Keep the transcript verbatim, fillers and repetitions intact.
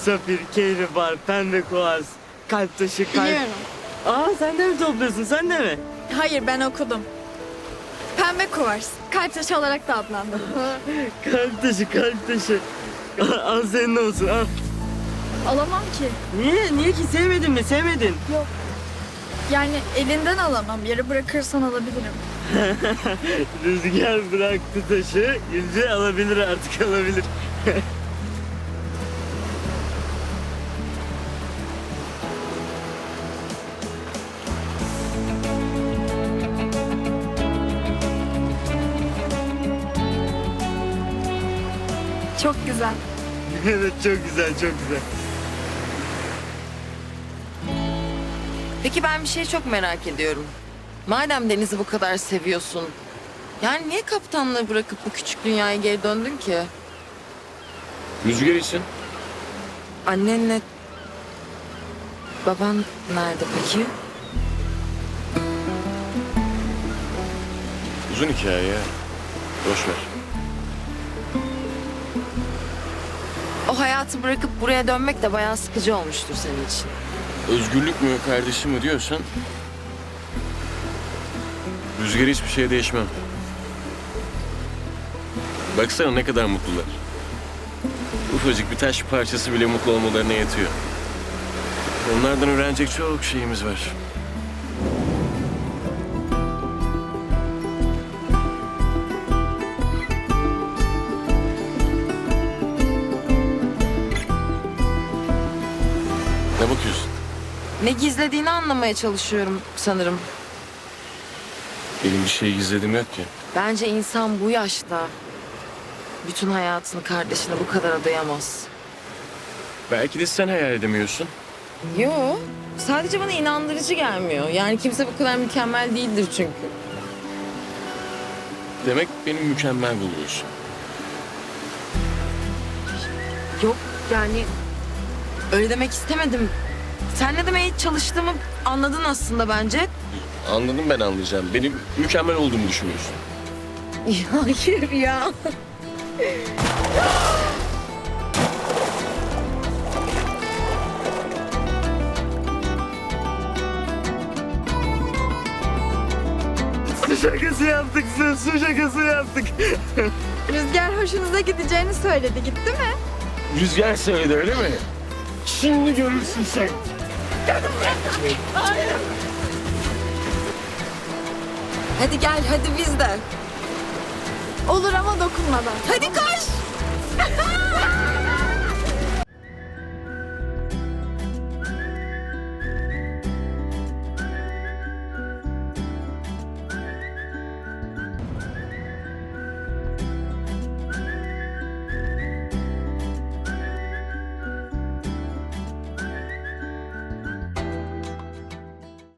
safir, kehribar, pembe kuars, kalp taşı, kalp... Biliyorum. Aa sen de mi topluyorsun, sen de mi? Hayır, ben okudum. Pembe kuvars. Kalp taşı olarak da adlandırılır. Kalp taşı, kalp taşı. Al, al senin olsun, al. Alamam ki. Niye, niye ki sevmedin mi, sevmedin? Yok. Yani elinden alamam. Yere bırakırsan alabilirim. Rüzgar bıraktı taşı, Gülce alabilir artık, alabilir. Çok güzel. Evet, çok güzel, çok güzel. Peki ben bir şey çok merak ediyorum. Madem Deniz'i bu kadar seviyorsun, yani niye kaptanlığı bırakıp bu küçük dünyaya geri döndün ki? Rüzgar için. Annenle baban nerede peki? Uzun hikaye ya. Boş ver. O hayatı bırakıp buraya dönmek de bayağı sıkıcı olmuştur senin için. Özgürlük mü kardeşim mi diyorsan... Rüzgar hiçbir şeye değişmem. Baksana ne kadar mutlular. Ufacık bir taş parçası bile mutlu olmalarına yetiyor. Onlardan öğrenecek çok şeyimiz var. Ne bakıyorsun? Ne gizlediğini anlamaya çalışıyorum sanırım. Benim bir şey gizledim yok ki. Bence insan bu yaşta bütün hayatını kardeşine bu kadar adayamaz. Belki de sen hayal edemiyorsun. Yo, sadece bana inandırıcı gelmiyor. Yani kimse bu kadar mükemmel değildir çünkü. Demek beni mükemmel buluyorsun. Yok yani öyle demek istemedim. Sen ne demeye çalıştığımı anladın aslında bence. Anladım, ben anlayacağım. Benim mükemmel olduğumu düşünüyorsun. Hayır ya. Su şakası yaptık, su, su şakası yaptık. Rüzgar hoşunuza gideceğini söyledi. Gitti mi? Rüzgar söyledi öyle mi? Şimdi görürsün sen. Hadi gel, hadi biz de. Olur ama dokunmadan. Hadi koş.